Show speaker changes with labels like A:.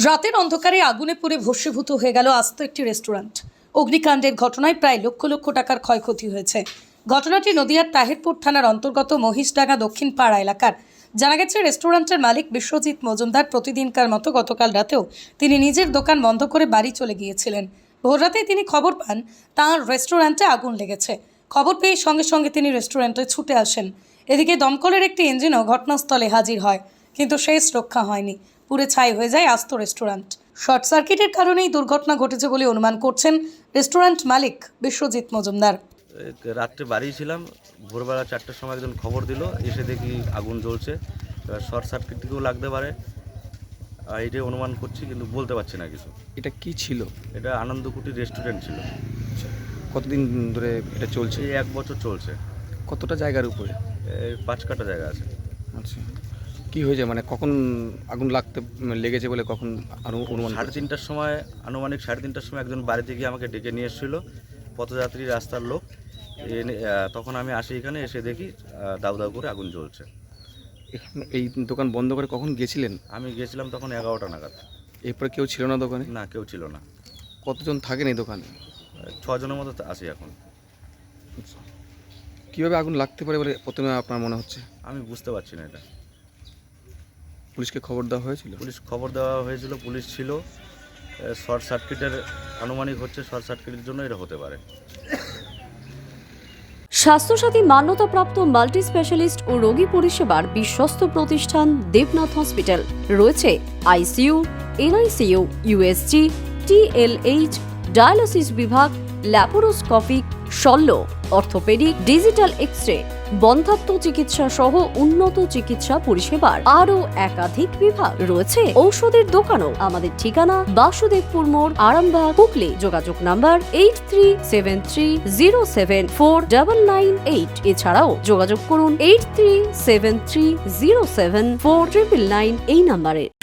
A: রাতের অন্ধকারে আগুনে পুড়ে ভস্মীভূত হয়ে গেল আস্ত একটি রেস্টুরেন্ট। অগ্নিকাণ্ডের ঘটনায় প্রায় লক্ষ লক্ষ টাকার ক্ষয়ক্ষতি হয়েছে। ঘটনাটি নদিয়ার তাহিরপুর থানার অন্তর্গত মহিষডাঙ্গা দক্ষিণ পাড়া এলাকার। জানা গেছে, রেস্টুরেন্টের মালিক বিশ্বজিৎ মজুমদার প্রতিদিনকার মতো গতকাল রাতেও তিনি নিজের দোকান বন্ধ করে বাড়ি চলে গিয়েছিলেন। ভোররাতে তিনি খবর পান তাঁর রেস্টুরেন্টে আগুন লেগেছে। খবর পেয়ে সঙ্গে সঙ্গে তিনি রেস্টুরেন্টে ছুটে আসেন। এদিকে দমকলের একটি ইঞ্জিনও ঘটনাস্থলে হাজির হয়, কিন্তু শেষ রক্ষা হয়নি। পুড়ে ছাই হয়ে যায় আস্ত রেস্টুরেন্ট। শর্ট সার্কিটের কারণেই দুর্ঘটনা ঘটেছে বলে অনুমান করছেন রেস্টুরেন্ট মালিক বিশ্বজিৎ মজুমদার।
B: রাত্রে বাড়ি ছিলাম, ভোরবেলা 4টার সময় একজন খবর দিল, এসে দেখি আগুন জ্বলছে। শর্ট সার্কিট থেকেও লাগতে পারে, এটাই অনুমান করছি, কিন্তু বলতে পারছি না কিছু।
C: এটা কি ছিল?
B: এটা আনন্দকুটি রেস্টুরেন্ট ছিল।
C: কতদিন ধরে এটা চলছে?
B: এই 1 বছর চলছে।
C: কতটা জায়গার উপরে?
B: এই 5 কাঠা জায়গা আছে।
C: আচ্ছা, কি হয়েছে মানে কখন আগুন লেগেছে বলে কখন অনুমান?
B: 3:30টার সময়, আনুমানিক 3:30টার সময় একজন বাড়িতে গিয়ে আমাকে ডেকে নিয়ে এসেছিলো, পথযাত্রী রাস্তার লোক। তখন আমি আসি, এখানে এসে দেখি দাউ দাউ করে আগুন জ্বলছে।
C: এই দোকান বন্ধ করে কখন গেছিলেন?
B: আমি গেছিলাম তখন 11টা নাগাদ।
C: এরপরে কেউ ছিল না দোকানে?
B: না, কেউ ছিল না।
C: কতজন থাকেন এই দোকানে?
B: 6 জনের মতো আছি এখন।
C: কীভাবে আগুন লাগতে পারে বলে প্রথমে আপনার মনে হচ্ছে?
B: আমি বুঝতে পারছি না এটা।
C: পুলিশকে খবর দেওয়া হয়েছিল?
B: পুলিশ খবর দেওয়া হয়েছিল, পুলিশ ছিল। শর্ট সার্কিটের আনুমানিক হচ্ছে, শর্ট সার্কিটের জন্য এটা হতে পারে।
D: স্বাস্থ্যসাথী মান্যতাপ্রাপ্ত মাল্টি স্পেশালিস্ট ও রোগী পরিষেবার বিশ্বস্ত প্রতিষ্ঠান দেবনাথ হসপিটাল। রয়েছে ICU, NICU, USG, TLH, dialysis বিভাগ, ল্যাপারোস্কোপিক, শল্য, অর্থোপেডিক, ডিজিটাল এক্স-রে, বন্ধ্যাত্ব চিকিৎসা সহ উন্নত চিকিৎসা পরিষেবার আরও একাধিক বিভাগ। রয়েছে ঔষধের দোকানও। আমাদের ঠিকানা বাসুদেবপুর মোড়, আরামবাগ, হুগলি। যোগাযোগ নাম্বার 8373074998। এছাড়াও যোগাযোগ করুন 8373074999 এই নাম্বারে।